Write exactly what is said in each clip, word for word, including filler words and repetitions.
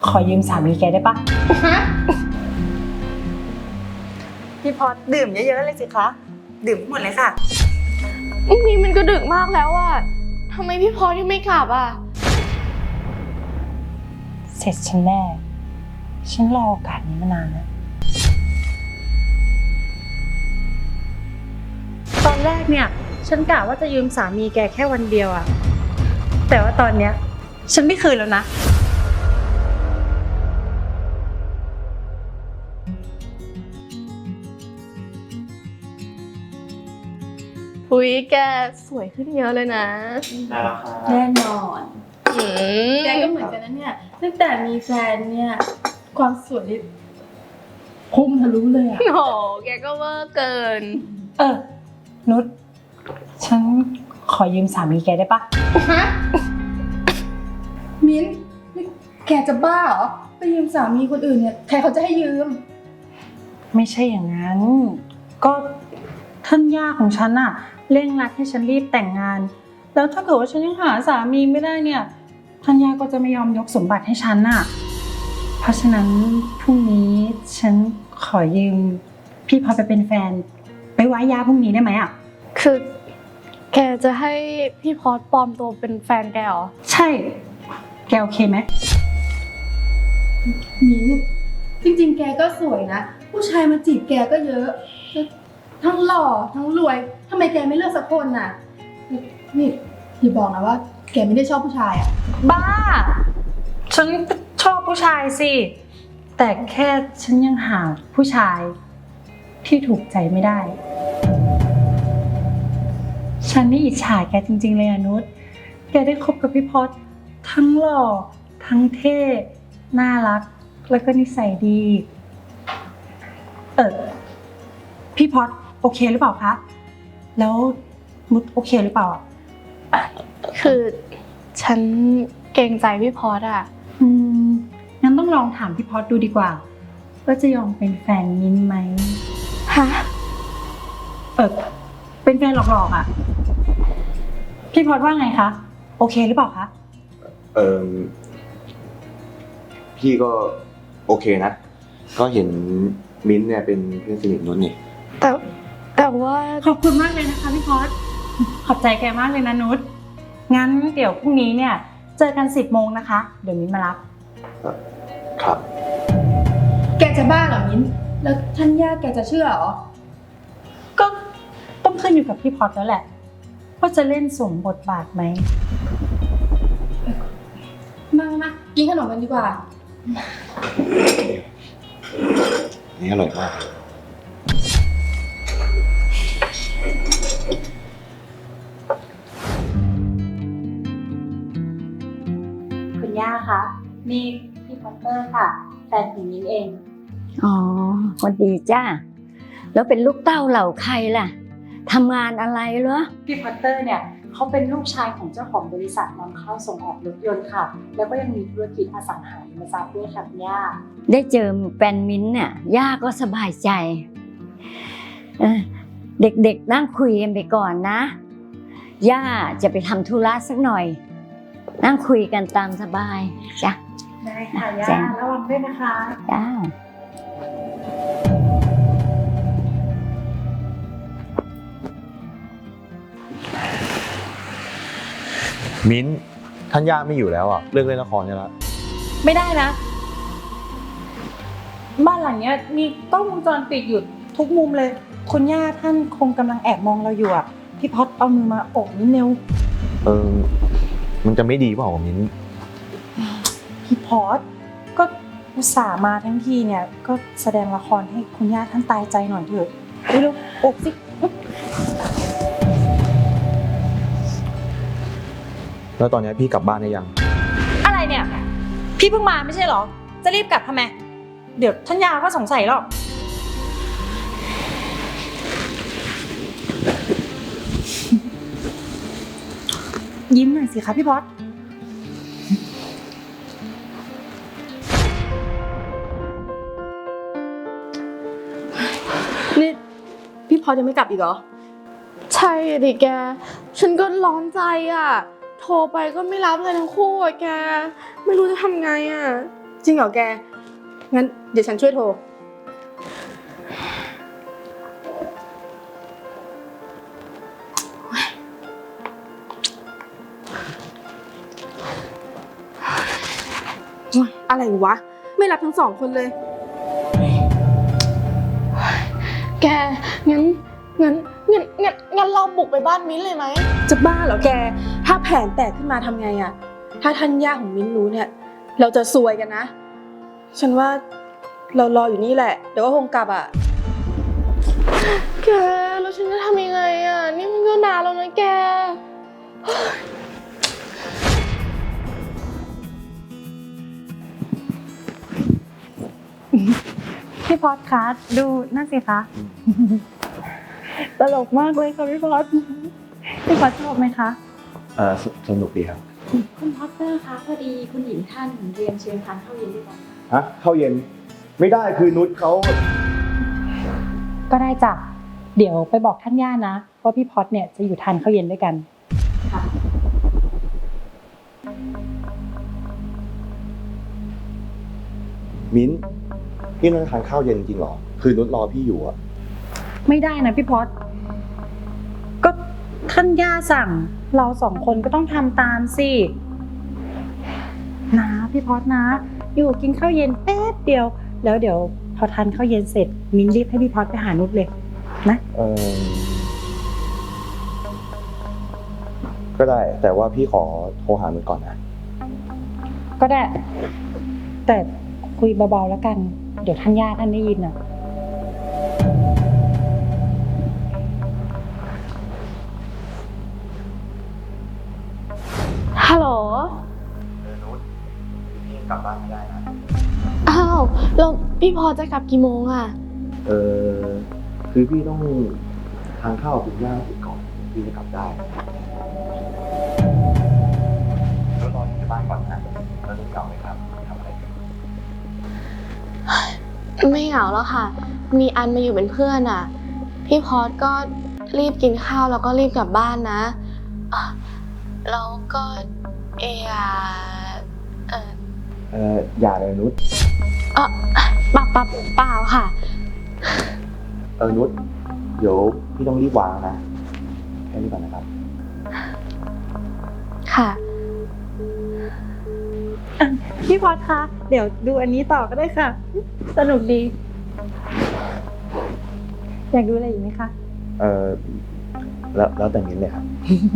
ขอยืมสามีแกได้ปะพี่พอดดื่มเยอะๆเลยสิคะดื่มหมดเลยค่ะนี่มันก็ดึกมากแล้วอะทำไมพี่พอที่ไม่กลับอะเสร็จฉันแน่ฉันรอโอกาสนี้มานานแล้วตอนแรกเนี่ยฉันกะว่าจะยืมสามีแกแค่วันเดียวอะแต่ว่าตอนเนี้ยฉันไม่คืนแล้วนะอุ้ยแกสวยขึ้นเยอะเลยนะได้แล้วครับแน่นอนอืมแกก็เหมือนกันนะเนี่ยตั้งแต่มีแฟนเนี่ยความสวยนี่พุ่งทะลุเลยอะโหแกก็เวอร์เกินเออนุชฉันขอยืมสามีแกได้ปะฮะมิ้นนี่แกจะบ้าเหรอไปยืมสามีคนอื่นเนี่ยใครเขาจะให้ยืมไม่ใช่อย่างนั้น ก็ท่านย่าของฉันอะเร่งรัดให้ฉันรีบแต่งงานแล้วถ้าเกิดว่าฉันยังหาสามีไม่ได้เนี่ยท่านย่าก็จะไม่ยอมยกสมบัติให้ฉันอะเพราะฉะนั้นพรุ่งนี้ฉันขอยืมพี่พอไปเป็นแฟนไปไว้ย่าพรุ่งนี้ได้ไหมอะคือแกจะให้พี่พอดปลอมตัวเป็นแฟนแกเหรอใช่แกโอเคไหมมิ้นจริงๆแกก็สวยนะผู้ชายมาจีบแกก็เยอะทั้งหล่อทั้งรวยทำไมแกไม่เลือกสักคนน่ะนี่อย่าบอกนะว่าแกไม่ได้ชอบผู้ชายอ่ะบ้าฉันชอบผู้ชายสิแต่แค่ฉันยังหาผู้ชายที่ถูกใจไม่ได้ฉันนี่อิจฉาแกจริงๆเลยอนุชแกได้คบกับพี่พอดทั้งหล่อทั้งเท่น่ารักแล้วก็นิสัยดีเออพี่พอดโอเคหรือเปล่าคะแล้วนุชโอเคหรือเปล่าคือฉันเกรงใจพี่พอดอะอืมงั้นต้องลองถามพี่พอดดูดีกว่าว่าจะยอมเป็นแฟนมิ้นไหมฮะเออเป็นแฟนหลอกๆอ่ะพี่พอดว่าไงคะโอเคหรือเปล่าคะเออพี่ก็โอเคนะก็เห็นมิ้นท์เนี่ยเป็นเพื่อนสนิทนุชนี่แต่แต่ว่าขอบคุณมากเลยนะคะพี่พอดขอบใจแกมากเลยนะนุชงั้นเดี๋ยวพรุ่งนี้เนี่ยเจอกันสิบโมงนะคะเดี๋ยวมิ้นมารับครับแกจะบ้าเหรอมิ้นแล้วท่านย่าแกจะเชื่อเหรอก็ต้องขึ้นอยู่กับพี่พอดแล้วแหละว่าจะเล่นสมบทบาทไหมมามากินขนมกันดีกว่านี่อร่อยมากคุณย่าคะนี่พี่พอตเตอร์ค่ะแฟนของมิ้นเองอ๋อสวัสดีจ้าแล้วเป็นลูกเต้าเหล่าใครล่ะทำงานอะไรเหรอพี่พอตเตอร์เนี่ยเขาเป็นลูกชายของเจ้าของบริษัทนำเข้าส่งออกรถยนต์ค่ะแล้วก็ยังมีธุรกิจอสังหาริมทรัพย์ด้วยค่ะคุณย่าได้เจอแฟนมิ้นท์เนี่ยย่าก็สบายใจเด็กๆนั่งคุยกันไปก่อนนะย่าจะไปทำธุระสักหน่อยนั่งคุยกันตามสบายจ้ะได้ค่ะย่าระวังด้วยนะคะจ้ามิ้นท์ท่านย่าไม่อยู่แล้วอ่ะเลิกเล่นละครใช่แล้วไม่ได้นะบ้านหลังเนี้ยมีกล้องวงจรปิดอยู่ทุกมุมเลยคุณย่าท่านคงกำลังแอบมองเราอยู่อ่ะพี่พอดเอามือมาโอบนิดเร็วเออมันจะไม่ดีเปล่ามิ้นท์พี่พอดก็อุตส่าห์มาทั้งทีเนี่ยก็แสดงละครให้คุณย่าท่านตายใจหน่อยเถอะเร็วๆโอบสิแล้วตอนนี้พี่กลับบ้านได้ยังอะไรเนี่ยพี่เพิ่งมาไม่ใช่เหรอจะรีบกลับทำไมเดี๋ยวท่านยาก็สงสัยหรอกยิ้มหน่อยสิคะพี่พอดนี่พี่พอดยังไม่กลับอีกเหรอใช่ดิแกฉันก็ร้อนใจอ่ะโทรไปก็ไม่รับเลยทั้งคู่อ่ะแกไม่รู้จะทำไงอ่ะจริงเหรอแก งั้นเดี๋ยวฉันช่วยโทร อะไรวะ ไม่รับทั้งสองคนเลยแก งั้น งั้น งั้น งั้นงั้นเราบุกไปบ้านมิ้นท์เลยไหมจะบ้าเหรอแก ถ้าแผนแตกขึ้นมาทำไงอะถ้าท่านย่าของมิ้นรู้เนี่ย เราจะซวยกันนะ ฉันว่าเรารออยู่นี่แหละ เดี๋ยวก็คงกลับอะแก แล้วฉันจะทำยังไงอ่ะ นี่มันก็นานแล้วนะแกพี่พอดคะดูนั่นสิคะ ตลกมากเลยค่ะพี่พอดพี่พอดชอบไหมคะเออสสนุกดีครับคุณพอตเตอร์คะพอดีคุณหญิงท่านเรียนเชิญทานข้าวเย็นด้วยกันฮะเข้าเย็นไม่ได้คือนุชเขาก็ได้จ้ะเดี๋ยวไปบอกท่านย่านะว่าพี่พอดเนี่ยจะอยู่ทานข้าวเย็นด้วยกันค่ะมิ้นพี่นั่งทานข้าวเย็นจริงเหรอ คือนุชรอพี่อยู่อะไม่ได้นะพี่พอดก็ท่านย่าสั่ง เราสองคนก็ต้องทำตามสินะพี่พอดนะ อยู่กินข้าวเย็นแป๊บเดียว แล้วเดี๋ยวพอทานข้าวเย็นเสร็จมิ้นรีบให้พี่พอดไปหานุชเลยนะเออก็ได้ แต่ว่าพี่ขอโทรหานุชก่อนนะก็ได้ แต่คุยเบาๆแล้วกัน เดี๋ยวท่านย่าท่านได้ยินอ่ะฮัลโหลเออนุชพี่กลับบ้านไม่ได้นะอ้าว แล้วพี่พอจะกลับกี่โมงอ่ะเออคือพี่ต้องทานข้าวกับคุณย่าเสร็จก่อนพี่จะกลับได้แล้วรอที่บ้านก่อนนะแล้วนุชกลับไหมครับทำอะไรกันไม่เหงาแล้วค่ะ มีอันมาอยู่เป็นเพื่อนอ่ะ พี่พอดก็รีบกินข้าวแล้วก็รีบกลับบ้านนะอ่ะแล้วก็เอยาเออเอออย่าเลยนุชเออเปล่าเปล่าเปล่าค่ะเออนุชเดี๋ยวพี่ต้องรีบวางนะแค่นี้ก่อนนะครับค่ะพี่พอดคะ เดี๋ยวดูอันนี้ต่อก็ได้ค่ะ สนุกดี อยากดูอะไรอีกไหมคะเออแล้วแล้วแต่มิ้นเลยครับ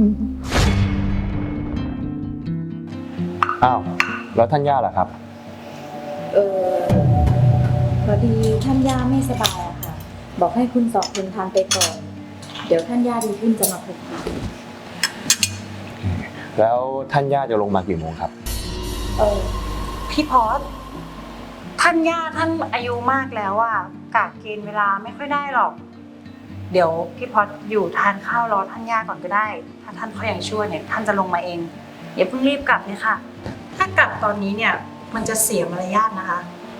อ้าวแล้วท่านย่าล่ะครับเออพอดีท่านย่าไม่สบายอะค่ะ บอกให้คุณสองคนทานไปก่อน เดี๋ยวท่านย่าดีขึ้นจะมาพบค่ะแล้วท่านย่าจะลงมากี่โมงครับเออพี่พอดท่านย่าท่านอายุมากแล้วอะกะเกณฑ์เวลาไม่ค่อยได้หรอก เดี๋ยวพี่พอดอยู่ทานข้าวรอท่านย่าก่อนก็ได้ ถ้าท่านเขายังชั่วเนี่ยท่านจะลงมาเองอย่าเพิ่งรีบกลับเลยค่ะ ถ้ากลับตอนนี้เนี่ยมันจะเสียมารยาทนะคะ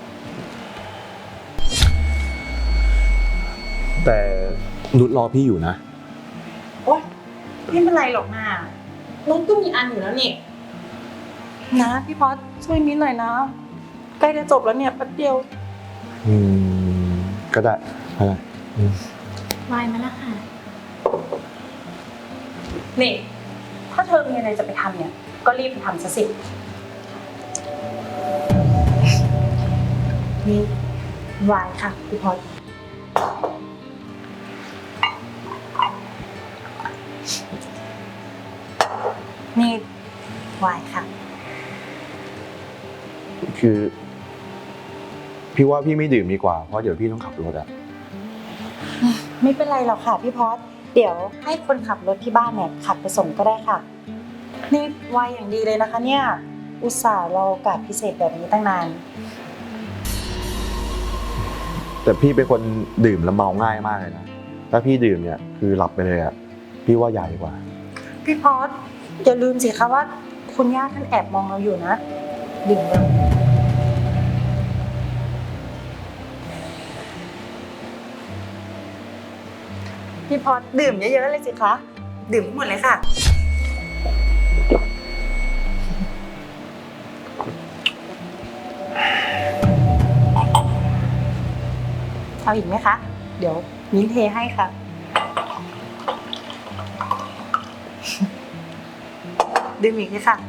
แต่นุชรอพี่อยู่นะโอ๊ยไม่เป็นไรหรอกนะน้องก็มีอันอยู่แล้วนี่นะพี่พอดช่วยมิ้นหน่อยนะใกล้จะจบแล้วเนี่ยแป๊บเดียวอืมก็ได้ก็ได้อืมวายมาแล้วค่ะนี่ ถ้าเธอมีอะไรจะไปทำเนี่ย ก็รีบไปทำซะสิ นี่วายค่ะพี่พอดนี่วายค่ะคือ พี่ว่าพี่ไม่ดื่มดีกว่าเพราะเดี๋ยวพี่ต้องขับรถอะไม่เป็นไรหรอกค่ะพี่พอดเดี๋ยวให้คนขับรถที่บ้านเนี่ยขับไปส่งก็ได้ค่ะ นี่วายอย่างดีเลยนะคะเนี่ย อุตส่าห์รอโอกาสพิเศษแบบนี้ตั้งนานแต่พี่เป็นคนดื่มแล้วเมาง่ายมากเลยนะถ้าพี่ดื่มเนี่ยคือหลับไปเลยอะพี่ว่าอย่าดีกว่าพี่พอดอย่าลืมสิคะว่าคุณย่าท่านแอบมองเราอยู่นะดื่มเลยพี่พอดดื่มเยอะๆเลยสิคะ ดื่มให้หมดเลยค่ะเอาอีกไหมคะ เดี๋ยวมิ้นเทให้ค่ะ ดื่มอีกเลยค่ะ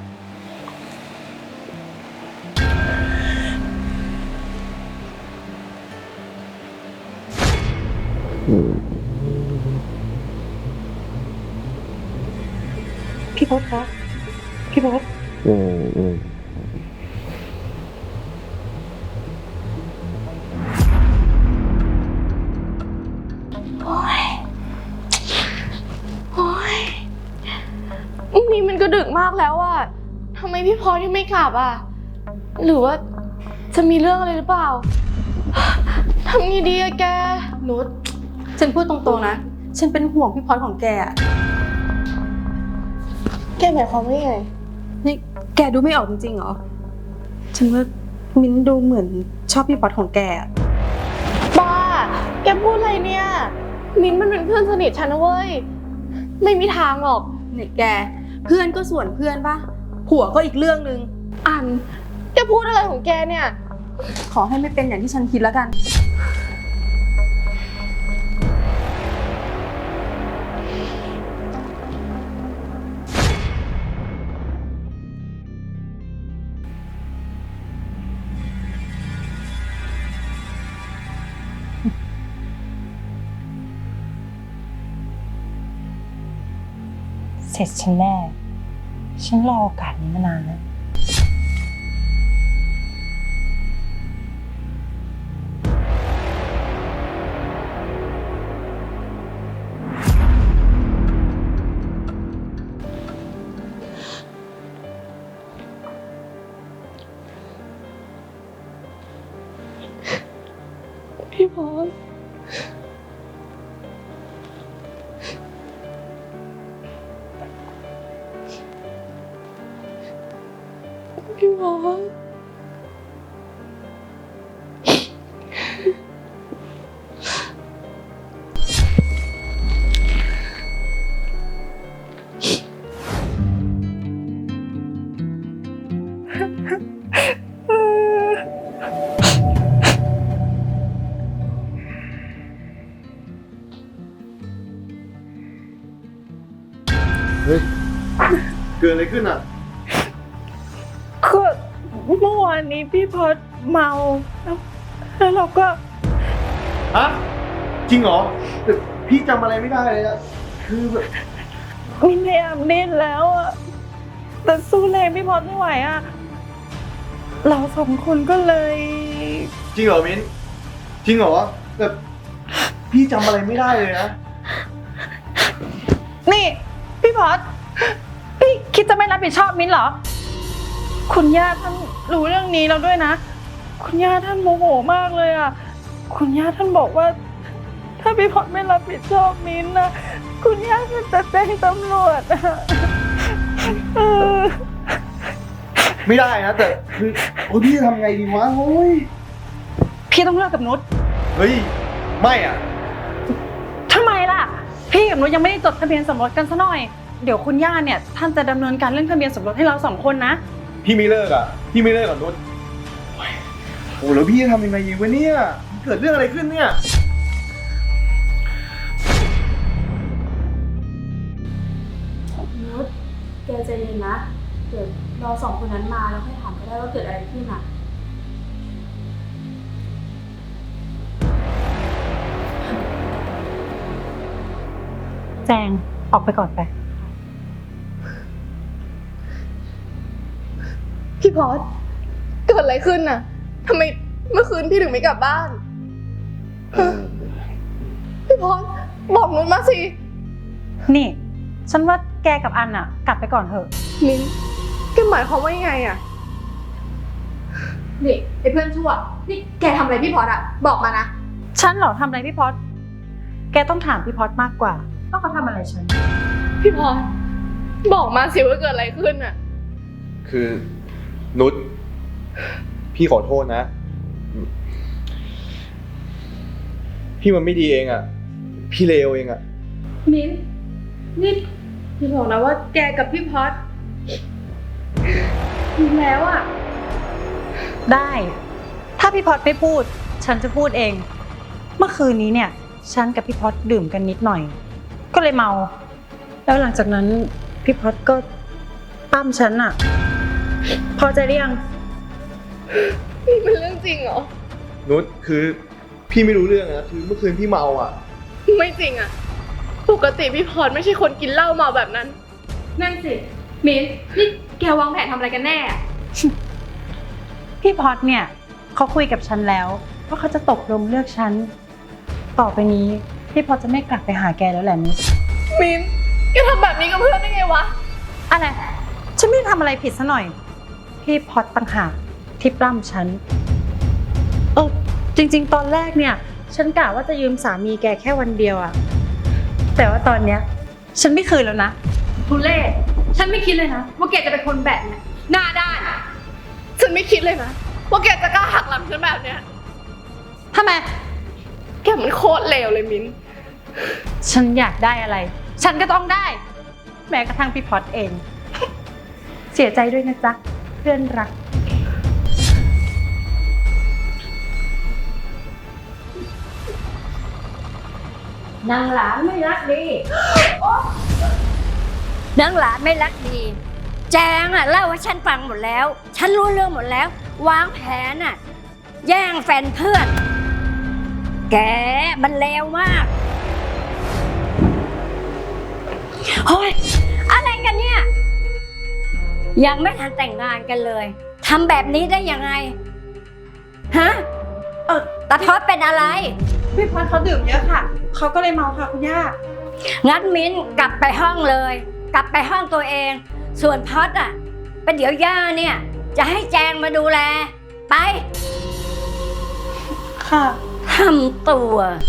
พี่พศคะพี่พศอืมอืมโอ๊ย โอ๊ย นี่มันก็ดึกมากแล้วอะทำไมพี่พอที่ไม่กลับอะหรือว่าจะมีเรื่องอะไรหรือเปล่า ทำไงดีอะแกนุชฉันพูดตรงๆนะ ฉันเป็นห่วงพี่พอดของแกอะแกหมายความว่าไงนี่แกดูไม่ออกจริงๆเหรอ ฉันว่ามิ้นดูเหมือนชอบพี่พอดของแกอะบ้า แกพูดอะไรเนี่ย มิ้นท์มันเป็นเพื่อนสนิทฉันนะเว้ย ไม่มีทางหรอกเนี่ยแก เพื่อนก็ส่วนเพื่อนปะผัวก็อีกเรื่องนึงอัน แกพูดอะไรของแกเนี่ยขอให้ไม่เป็นอย่างที่ฉันคิดแล้วกันเสร็จฉันแน่ ฉันรอโอกาสนี้มานานแล้วพี่พรพี่พรเฮ้ย เกิดอะไรขึ้นอ่ะก็เมื่อวานนี้พี่พศเมาแล้วแล้วเราก็ฮะ จริงเหรอแต่พี่จำอะไรไม่ได้เลยอะคือแบบมินพยายามเล่นแล้วอะแต่สู้แรงพี่พศไม่ไหวอะเราสองคนก็เลยจริงเหรอมิ้น จริงเหรอแต่พี่จำอะไรไม่ได้เลยนะนี่พี่พศพี่คิดจะไม่รับผิดชอบมิ้นเหรอ คุณย่าท่านรู้เรื่องนี้แล้วด้วยนะ คุณย่าท่านโมโหมากเลยอ่ะ คุณย่าท่านบอกว่า ถ้าพี่พศไม่รับผิดชอบมิ้นนะคุณย่าก็จะแจ้งตำรวจอะเออไม่ได้นะแต่คือโอ้ยพี่จะทำไงดีวะโอ้ยพี่ต้องเลิกกับนุชเฮ้ย ไม่อ่ะทำไมล่ะ พี่กับนุชยังไม่ได้จดทะเบียนสมรสกันซะหน่อย เดี๋ยวคุณย่าเนี่ยท่านจะดำเนินการเรื่องทะเบียนสมรสให้เราสองคนนะพี่ไม่เลิกอ่ะ พี่ไม่เลิกกับนุชโอ้ยโอ้แล้วพี่จะทำยังไงดีวะเนี่ยมันเกิดเรื่องอะไรขึ้นเนี่ยนุชแกใจเย็นนะ เดี๋ยวเราสองคนนั้นมาแล้วค่อยถามก็ได้ว่าเกิดอะไรขึ้นอ่ะแจงออกไปก่อนไปพี่พอสเกิดอะไรขึ้นน่ะทำไมเมื่อคืนพี่ถึงไม่กลับบ้าน พี่พอสบอกนุชมาสินี่ ฉันว่าแกกับอันอะกลับไปก่อนเถอะมิ้นแกหมายความว่ายังไงอะนี่ไอ้เพื่อนชั่ว นี่แกทำอะไรพี่พอดอะบอกมานะฉันเหรอทำอะไรพี่พศแกต้องถามพี่พศมากกว่าว่าเขาทำอะไรฉันพี่พอสบอกมาสิว่าเกิดอะไรขึ้นอะคือนุชพี่ขอโทษนะ พี่มันไม่ดีเองอ่ะ พี่เลวเองอ่ะมิ้นนี่พี่บอกนะว่าแกกับพี่พอดมีแล้วอะได้ ถ้าพี่พศไม่พูด ฉันจะพูดเองเมื่อคืนนี้เนี่ยฉันกับพี่พอดดื่มกันนิดหน่อย ก็เลยเมา แล้วหลังจากนั้นพี่พอดก็ปั้มฉันอะพอใจหรือยังนี่เป็นเรื่องจริงเหรอนุชคือพี่ไม่รู้เรื่องนะคือเมื่อคืนพี่เมาอ่ะไม่จริงอะปกติพี่พรไม่ใช่คนกินเหล้าเมาแบบนั้น นั่นสิ มิ้นนี่แกวางแผนทำอะไรกันแน่อะพี่พอดเนี่ยเขาคุยกับฉันแล้วว่าเขาจะตกลงเลือกฉัน ต่อไปนี้พี่พอดจะไม่กลับไปหาแกแล้วแหละนุชมิ้นแกทำแบบนี้กับเพื่อนได้ไงวะอะไรฉันไม่ได้ทำอะไรผิดซะหน่อย พี่พอดต่างหากที่ปล้ำฉันเออจริงๆ ตอนแรกเนี่ยฉันกะว่าจะยืมสามีแกแค่วันเดียวอะแต่ว่าตอนเนี้ยฉันไม่คืนแล้วนะทุเล่ฉันไม่คิดเลยนะว่าแกจะเป็นคนแบบเนี้ยหน้าด้าน ฉันไม่คิดเลยนะว่าแกจะกล้าหักหลังฉันแบบเนี้ยทำไมแกมันโคตรเลวเลยมิ้นฉันอยากได้อะไร ฉันก็ต้องได้ แม้กระทั่งพี่พอดเอง เสียใจด้วยนะจ๊ะเพื่อนรักนางหลานไม่รักดี นางหลานไม่รักดี แจงอ่ะเล่าให้ฉันฟังหมดแล้ว ฉันรู้เรื่องหมดแล้ว วางแผนอ่ะ แย่งแฟนเพื่อน แกมันเลวมากโอ้ยอะไรกันเนี่ย ยังไม่ทันแต่งงานกันเลยทำแบบนี้ได้ยังไง ฮะเออตาทอดเป็นอะไรพี่พอดเขาดื่มเยอะค่ะ เขาก็เลยเมาค่ะคุณย่างั้นมิ้นกลับไปห้องเลย กลับไปห้องตัวเอง ส่วนพอดอ่ะเป็นเดี๋ยวย่าเนี่ย จะให้แจงมาดูแล ไปค่ะทำตัว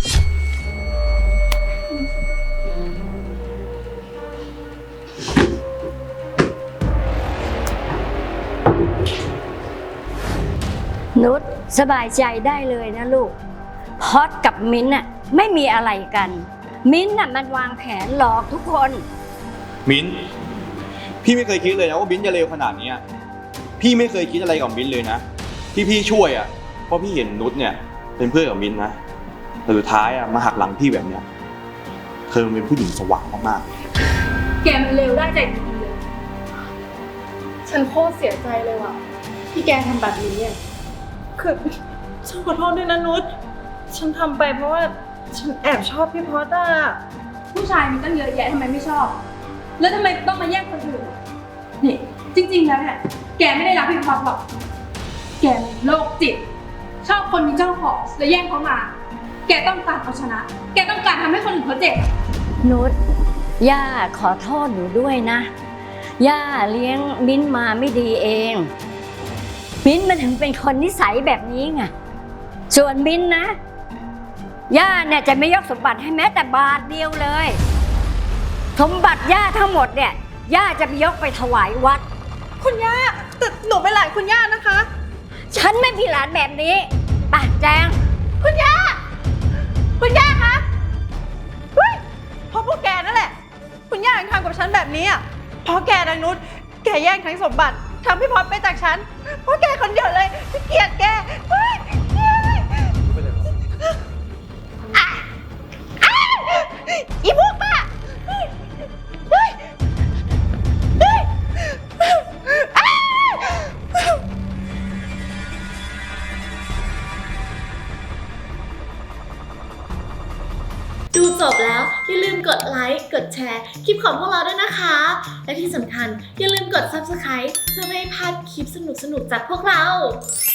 นุชสบายใจได้เลยนะลูก พอดกับมิ้นท์น่ะไม่มีอะไรกัน มิ้นท์น่ะมันวางแผนหลอกทุกคนมิ้นท์พี่ไม่เคยคิดเลยนะว่ามิ้นท์จะเลวขนาดเนี้ยพี่ไม่เคยคิดอะไรกับมิ้นท์เลยนะที่พี่ช่วยอ่ะเพราะพี่เห็นนุชเนี่ยเป็นเพื่อนกับมิ้นท์นะแต่สุดท้ายอ่ะมาหักหลังพี่แบบเนี้ยเธอเป็นผู้หญิงสว่างมากๆแกมันเลวได้ใจจริงๆเลย ฉันโคตรเสียใจเลยว่ะที่แกทำแบบนี้เนี่ยคือฉันขอโทษด้วยนะนุช ฉันทำไปเพราะว่าฉันแอบชอบพี่พอดอะผู้ชายมีตั้งเยอะแยะทำไมไม่ชอบ แล้วทำไมต้องมาแย่งคนอื่น นี่ จริงๆแล้วเนี่ย แกไม่ได้รักพี่พอดหรอก แกมีโรคจิต ชอบคนมีเจ้าของแล้วแย่งเขามา แกต้องการเอาชนะ แกต้องการทำให้คนอื่นเขาเจ็บนุชย่าขอโทษหนูด้วยนะ ย่าเลี้ยงมิ้นท์มาไม่ดีเอง มิ้นท์มันถึงเป็นคนนิสัยแบบนี้ไง ส่วนมิ้นท์นะ ย่าเนี่ยจะไม่ยกสมบัติให้แม้แต่บาทเดียวเลย สมบัติย่าทั้งหมดเนี่ย ย่าจะไปยกไปถวายวัดคุณย่าแต่หนูเป็นหลานคุณย่านะคะฉันไม่มีหลานแบบนี้ป่ะแจงคุณย่า คุณย่าคะเฮ้ยเพราะพวกแกนั่นแหละ คุณย่าถึงทำกับฉันแบบนี้อ่ะเพราะแกนางนุช แกแย่งทั้งสมบัติทำพี่พอดไปจากฉัน เพราะแกคนเดียวเลยที่เกลียดแกเฮ้ยเฮ้ยอ่ะอ่ะอีพวกบ้าเฮ้ยเฮ้ยเฮ้ยอ่ะดูจบแล้วอย่าลืมกดไลค์ กดแชร์คลิปของพวกเราด้วยนะคะ และที่สำคัญอย่าลืมกด ซับสไครบ์ เพื่อไม่ให้พลาดคลิปสนุกๆจากพวกเรา